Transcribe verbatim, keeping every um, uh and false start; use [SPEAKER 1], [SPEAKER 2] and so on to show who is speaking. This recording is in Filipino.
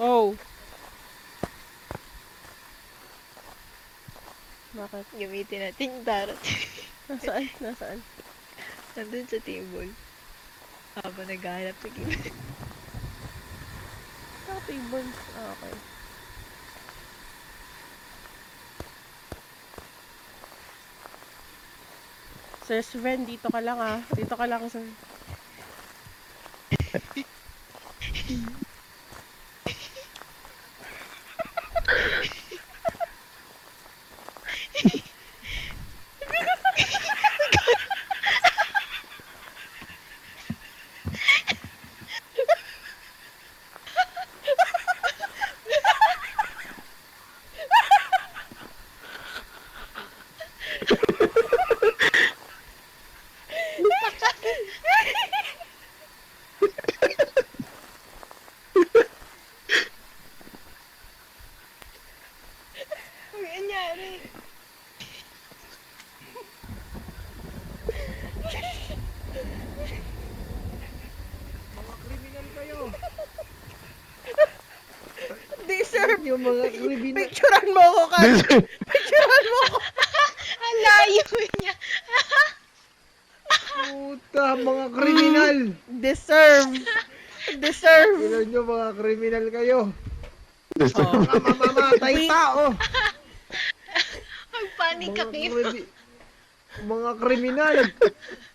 [SPEAKER 1] Oh. Bakit?
[SPEAKER 2] Gamitin natin yung tarot.
[SPEAKER 1] Nasaan? Nasaan?
[SPEAKER 2] Nandun sa table. Habang naghahanap sa gilid.
[SPEAKER 1] Sa table. Ah, okay. Sir Sven, dito ka lang ah. Dito ka lang, sir.
[SPEAKER 2] Ang nangyari.
[SPEAKER 3] Mga kriminal kayo.
[SPEAKER 1] Hindi, sir.
[SPEAKER 3] Yung mga kriminal.
[SPEAKER 1] Picturean mo ako, Kat. Picturean mo ako.
[SPEAKER 2] Ang layo niya.
[SPEAKER 3] Puta, mga kriminal.
[SPEAKER 1] Deserve. Deserve.
[SPEAKER 3] Ilan nyo mga kriminal kayo.
[SPEAKER 1] Oh.
[SPEAKER 3] Mga mamamatay tao.
[SPEAKER 2] Magpanik ka,
[SPEAKER 3] Mga,
[SPEAKER 2] Kim.
[SPEAKER 3] krimi- mga kriminal.